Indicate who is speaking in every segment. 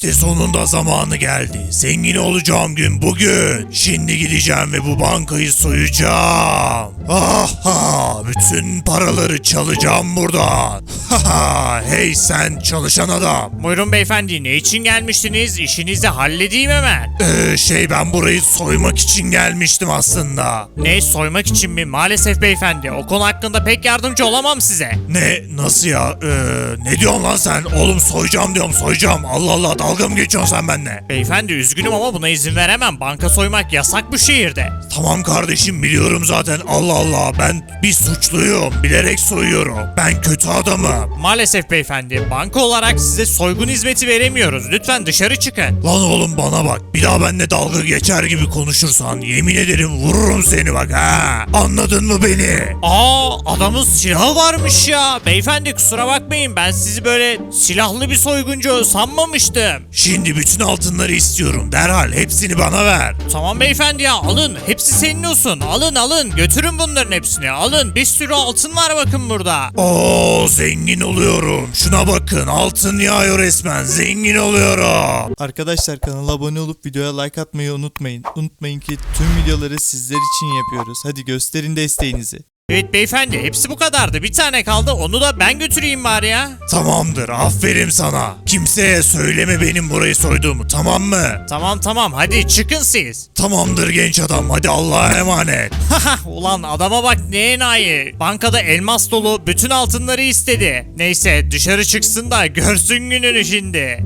Speaker 1: İşte sonunda zamanı geldi. Zengin olacağım gün bugün. Şimdi gideceğim ve bu bankayı soyacağım. Aha, bütün paraları çalacağım buradan. Haha, hey sen çalışan adam.
Speaker 2: Buyurun beyefendi, ne için gelmiştiniz? İşinizi halledeyim hemen.
Speaker 1: Ben burayı soymak için gelmiştim aslında.
Speaker 2: Ne, soymak için mi? Maalesef beyefendi, o konu hakkında pek yardımcı olamam size.
Speaker 1: Ne, nasıl ya? Ne diyorsun lan sen? Oğlum soyacağım diyorum, soyacağım. Allah Allah, dalga mı geçiyorsun sen benimle?
Speaker 2: Beyefendi üzgünüm ama buna izin veremem. Banka soymak yasak bu şehirde.
Speaker 1: Tamam kardeşim, biliyorum zaten. Allah Allah, ben bir suçluyum. Bilerek soyuyorum. Ben kötü adamım.
Speaker 2: Maalesef beyefendi, banka olarak size soygun hizmeti veremiyoruz. Lütfen dışarı çıkın.
Speaker 1: Lan oğlum bana bak. Bir daha benimle dalga geçer gibi konuşursan yemin ederim vururum seni bak ha. Anladın mı beni?
Speaker 2: Adamın silahı varmış ya. Beyefendi kusura bakmayın, ben sizi böyle silahlı bir soyguncu sanmamıştım.
Speaker 1: Şimdi bütün altınları istiyorum. Derhal hepsini bana ver.
Speaker 2: Tamam beyefendi ya, alın. Hepsi senin olsun. Alın alın. Götürün bunların hepsini. Alın. Bir sürü altın var bakın burada.
Speaker 1: Oo, zengin oluyorum. Şuna bakın, altın yağıyor resmen. Zengin oluyorum.
Speaker 3: Arkadaşlar kanala abone olup videoya like atmayı unutmayın. Unutmayın ki tüm videoları sizler için yapıyoruz. Hadi gösterin desteğinizi.
Speaker 2: Evet beyefendi, hepsi bu kadardı. Bir tane kaldı. Onu da ben götüreyim bari ya.
Speaker 1: Tamamdır, aferin sana. Kimseye söyleme benim burayı soyduğumu, tamam mı?
Speaker 2: Tamam. Hadi çıkın siz.
Speaker 1: Tamamdır genç adam, hadi Allah'a emanet.
Speaker 2: Ulan adama bak, ne enayi. Bankada elmas dolu bütün altınları istedi. Neyse dışarı çıksın da görsün gününü şimdi.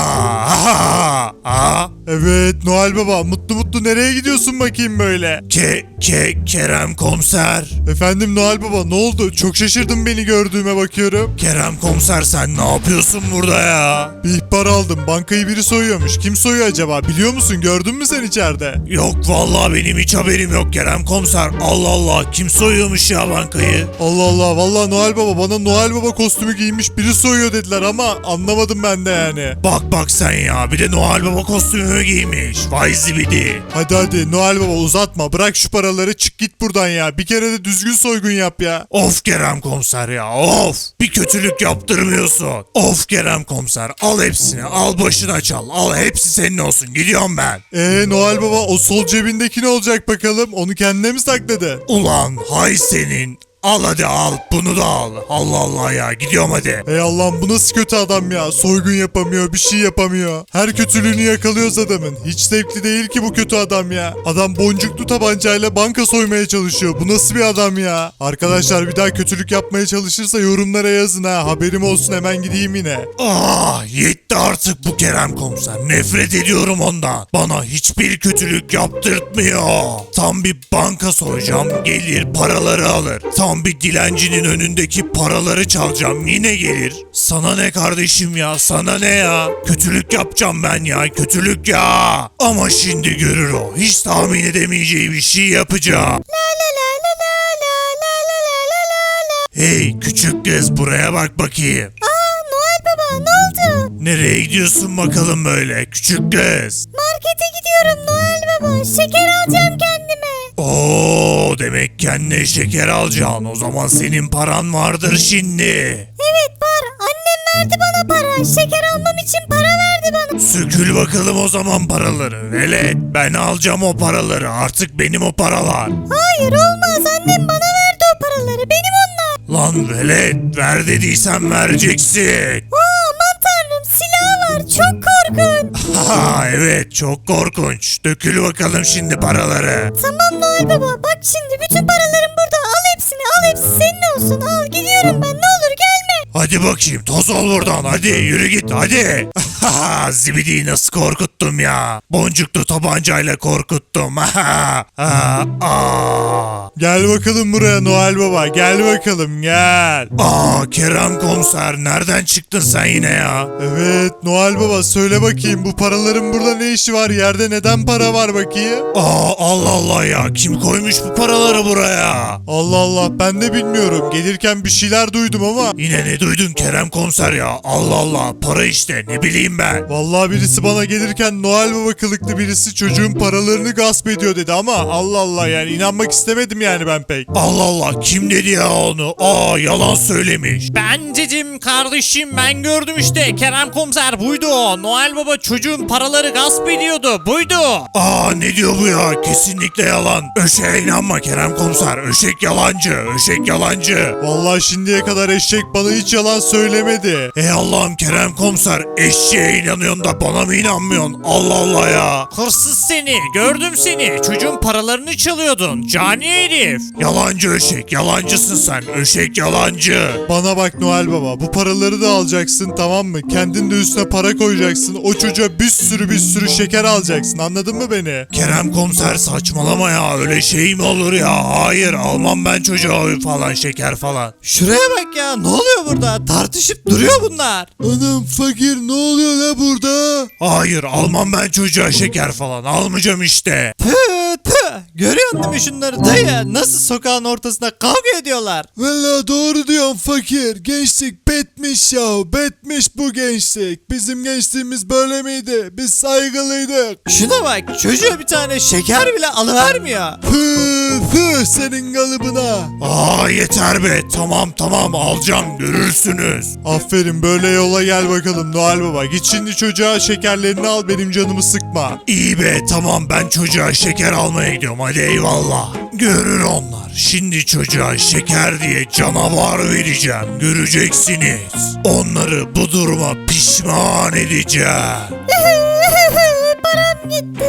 Speaker 3: Evet Noel Baba, mutlu mutlu nereye gidiyorsun bakayım böyle?
Speaker 1: Kerem komiser.
Speaker 3: Efendim Noel Baba, ne oldu? Çok şaşırdım beni gördüğüme bakıyorum.
Speaker 1: Kerem komiser, sen ne yapıyorsun burada ya?
Speaker 3: Bir ihbar aldım, bankayı biri soyuyormuş. Kim soyuyor acaba, biliyor musun? Gördün mü sen içeride?
Speaker 1: Yok vallahi, benim hiç haberim yok Kerem komiser. Allah Allah, kim soyuyormuş ya bankayı?
Speaker 3: Allah Allah, vallahi Noel Baba, bana Noel Baba kostümü giymiş biri soyuyor dediler ama anlamadım ben de yani.
Speaker 1: Bak sen ya, bir de Noel Baba kostümü giymiş. Vay zibidi.
Speaker 3: Hadi Noel Baba uzatma, bırak şu paraları, çık git buradan ya. Bir kere de düzgün soygun yap ya.
Speaker 1: Of Kerem komiser ya, of. Bir kötülük yaptırmıyorsun. Of Kerem komiser, al hepsini, al başına çal. Al, hepsi senin olsun, gidiyorum ben.
Speaker 3: Noel Baba, o sol cebindeki ne olacak bakalım? Onu kendine mi sakladı?
Speaker 1: Ulan hay senin. Al hadi, al bunu da al. Allah Allah ya, gidiyorum hadi.
Speaker 3: Ey Allah'ım, bu nasıl kötü adam ya? Soygun yapamıyor, bir şey yapamıyor. Her kötülüğünü yakalıyoruz adamın. Hiç zevkli değil ki bu kötü adam ya. Adam boncuklu tabancayla banka soymaya çalışıyor. Bu nasıl bir adam ya? Arkadaşlar bir daha kötülük yapmaya çalışırsa yorumlara yazın ha. Haberim olsun, hemen gideyim yine.
Speaker 1: Yetti artık bu Kerem komiser. Nefret ediyorum ondan. Bana hiçbir kötülük yaptırtmıyor. Tam bir banka soyacağım, gelir paraları alır. Tam bir dilencinin önündeki paraları çalacağım, yine gelir. Sana ne kardeşim ya, sana ne ya? Kötülük yapacağım ben ya, kötülük ya. Ama şimdi görür o. Hiç tahmin edemeyeceği bir şey yapacağım. Hey küçük kız, buraya bak bakayım.
Speaker 4: Noel Baba, ne oldu?
Speaker 1: Nereye gidiyorsun bakalım böyle küçük kız?
Speaker 4: Markete gidiyorum Noel Baba. Şeker alacağım kendime.
Speaker 1: Oo, demek kendine şeker alacaksın. O zaman senin paran vardır şimdi.
Speaker 4: Evet var. Annem verdi bana para. Şeker almam için para verdi bana.
Speaker 1: Sökül bakalım o zaman paraları. Velet, ben alacağım o paraları. Artık benim o paralar.
Speaker 4: Hayır olmaz. Annem bana verdi o paraları. Benim onlar.
Speaker 1: Lan velet, ver dediysen vereceksin.
Speaker 4: Aman tanrım, silahı var. Çok korkunç.
Speaker 1: Ha evet, çok korkunç. Dökül bakalım şimdi paraları.
Speaker 4: Tamam Noel Baba. Bak şimdi bütün paralarım burada. Al hepsini. Al, hepsi senin olsun. Al, gidiyorum ben. Ne olur gelme.
Speaker 1: Hadi bakayım, toz ol buradan, hadi yürü git hadi. Zibidi'yi nasıl korkuttum ya. Boncuklu tabancayla korkuttum.
Speaker 3: Gel bakalım buraya Noel Baba, gel bakalım gel.
Speaker 1: Kerem komiser, nereden çıktın sen yine ya?
Speaker 3: Evet Noel Baba, söyle bakayım, bu paraların burada ne işi var? Yerde neden para var bakayım?
Speaker 1: Allah Allah ya, kim koymuş bu paraları buraya?
Speaker 3: Allah Allah, ben de bilmiyorum. Gelirken bir şeyler duydum ama.
Speaker 1: Yine ne Ne duydun Kerem komiser ya? Allah Allah, para işte, ne bileyim ben.
Speaker 3: Vallahi birisi bana gelirken Noel Baba kılıklı birisi çocuğun paralarını gasp ediyor dedi ama Allah Allah, yani inanmak istemedim yani ben pek.
Speaker 1: Allah Allah, kim dedi ya onu? Yalan söylemiş.
Speaker 2: Bencecim kardeşim, ben gördüm işte. Kerem komiser buydu o. Noel Baba çocuğun paraları gasp ediyordu. Buydu.
Speaker 1: Ne diyor bu ya? Kesinlikle yalan. Öşeğe inanma Kerem komiser. Öşek yalancı. Öşek yalancı.
Speaker 3: Vallahi şimdiye kadar eşek bana hiç yalan söylemedi.
Speaker 1: Ey Allah'ım Kerem komiser. Eşeğe inanıyorsun da bana mı inanmıyorsun? Allah Allah ya.
Speaker 2: Hırsız seni. Gördüm seni. Çocuğun paralarını çalıyordun. Cani herif.
Speaker 1: Yalancı öşek. Yalancısın sen. Öşek yalancı.
Speaker 3: Bana bak Noel Baba, bu paraları da alacaksın, tamam mı? Kendin de üstüne para koyacaksın. O çocuğa bir sürü şeker alacaksın, anladın mı beni?
Speaker 1: Kerem komiser saçmalama ya. Öyle şey mi olur ya? Hayır, almam ben çocuğa falan, şeker falan.
Speaker 2: Şuraya bak ya. Ne oluyor burada? Tartışıp duruyor bunlar.
Speaker 3: Anam fakir, ne oluyor la burada?
Speaker 1: Hayır, almam ben çocuğa şeker falan. Almayacağım işte.
Speaker 2: Görüyorsun değil mi şunları dayı? Nasıl sokağın ortasında kavga ediyorlar?
Speaker 3: Valla doğru diyorsun fakir. Gençlik bitmiş ya. Bitmiş bu gençlik. Bizim gençliğimiz böyle miydi? Biz saygılıydık.
Speaker 2: Şuna bak, çocuğa bir tane şeker bile alıvermiyor.
Speaker 3: Senin kalıbına.
Speaker 1: Yeter be. Tamam alacağım, görürsünüz.
Speaker 3: Aferin, böyle yola gel bakalım Noel Baba. Git şimdi çocuğa şekerlerini al, benim canımı sıkma.
Speaker 1: İyi be, tamam, ben çocuğa şeker almaya gidiyorum, hadi eyvallah. Görür onlar. Şimdi çocuğa şeker diye canavar vereceğim, göreceksiniz. Onları bu duruma pişman edeceğim.
Speaker 4: Param gitti.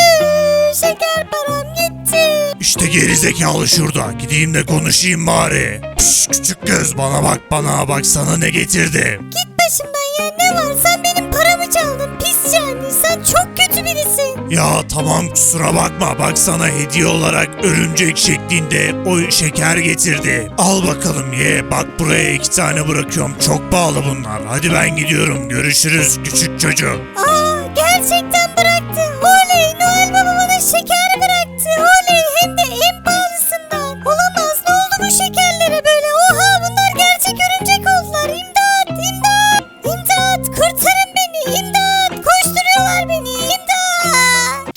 Speaker 4: Şeker param gitti.
Speaker 1: İşte gerizekalı şurada, gideyim de konuşayım bari. Pişt, küçük göz, bana bak sana ne getirdim.
Speaker 4: Git başımdan ya, ne var? Sen benim paramı çaldın. Pis cani. Sen çok kötü birisin.
Speaker 1: Ya tamam, kusura bakma, bak sana hediye olarak örümcek şeklinde o şeker getirdi. Al bakalım ye, bak buraya 2 tane bırakıyorum, çok pahalı bunlar. Hadi ben gidiyorum, görüşürüz küçük çocuk.
Speaker 4: Gerçekten bıraktı. Oley, Noel Baba bana şeker bıraktı. Oley, hem de en pahalısından. Olamaz, ne oldu bu şekerlere böyle? Oha, bunlar gerçek örümcek oldular. İmdat, imdat, imdat, kurtarın beni, imdat. Koşturuyorlar beni, imdat.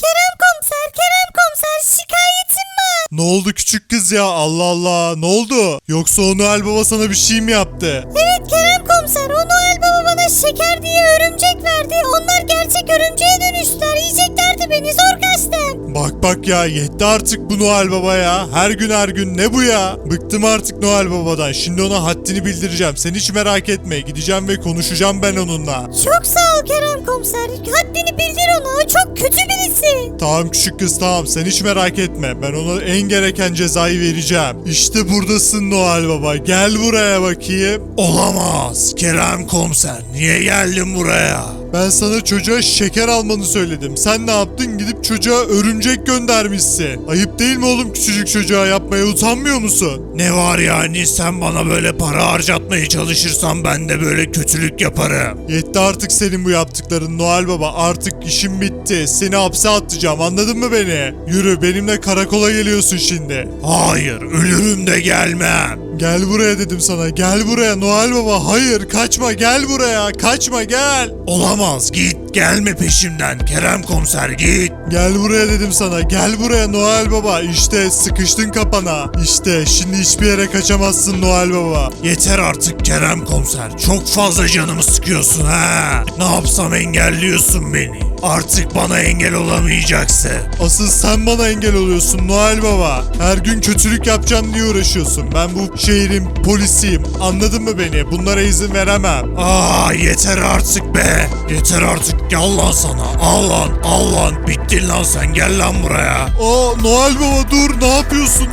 Speaker 4: Kerem komiser, şikayetim var.
Speaker 3: Ne oldu küçük kız ya? Allah Allah, ne oldu? Yoksa o Noel Baba sana bir şey mi yaptı?
Speaker 4: Evet Kerem komiser, o Noel Baba bana şeker diye örümcek verdi. Onlar gerçek örümceğe dönüştüler. Yiyeceklerdi beni, zor kaçtım.
Speaker 3: Bak ya, yetti artık bu Noel Baba ya. Her gün ne bu ya? Bıktım artık Noel Baba'dan. Şimdi ona haddini bildireceğim. Sen hiç merak etme. Gideceğim ve konuşacağım ben onunla.
Speaker 4: Çok sağ ol Kerem komiser. Haddini bildir ona. O çok kötü birisi.
Speaker 3: Tamam küçük kız, tamam, sen hiç merak etme. Ben ona en gereken cezayı vereceğim. İşte buradasın Noel Baba. Gel buraya bakayım.
Speaker 1: Olamaz Kerem komiser, niye geldin buraya?
Speaker 3: Ben sana çocuğa şeker almanı söyledim. Sen ne yaptın? Gidip çocuğa örümcek göndermişsin. Ayıp değil mi oğlum, küçücük çocuğa yapmaya utanmıyor musun?
Speaker 1: Ne var yani, sen bana böyle para harcatmaya çalışırsan ben de böyle kötülük yaparım.
Speaker 3: Yetti artık senin bu yaptıkların Noel Baba. Artık işim bitti. Seni hapse atacağım, anladın mı beni? Yürü, benimle karakola geliyorsun şimdi.
Speaker 1: Hayır, ölürüm de gelmem.
Speaker 3: Gel buraya dedim sana. Gel buraya Noel Baba. Hayır, kaçma, gel buraya. Kaçma, gel.
Speaker 1: Olamaz, git, gelme peşimden Kerem komiser, git.
Speaker 3: Gel buraya dedim sana. Gel buraya Noel Baba. İşte sıkıştın kapana. İşte şimdi hiçbir yere kaçamazsın Noel Baba.
Speaker 1: Yeter artık Kerem komiser, çok fazla canımı sıkıyorsun ha. Ne yapsam engelliyorsun beni. Artık bana engel olamayacaksın.
Speaker 3: Asıl sen bana engel oluyorsun Noel Baba. Her gün kötülük yapacağım diye uğraşıyorsun. Ben bu şehrin polisiyim. Anladın mı beni? Bunlara izin veremem.
Speaker 1: Yeter artık be. Yeter artık, gel lan sana. Al lan. Bittin lan sen, gel lan buraya.
Speaker 3: Noel Baba dur, ne yapıyorsun?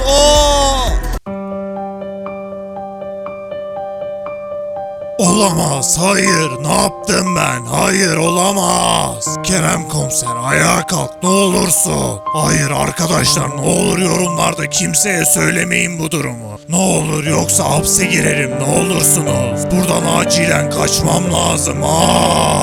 Speaker 1: Olamaz, hayır, ne yaptım ben? Hayır, olamaz. Kerem komiser, ayağa kalk ne olursun. Hayır arkadaşlar, ne olur yorumlarda kimseye söylemeyin bu durumu. Ne olur, yoksa hapse girerim, ne olursunuz. Buradan acilen kaçmam lazım.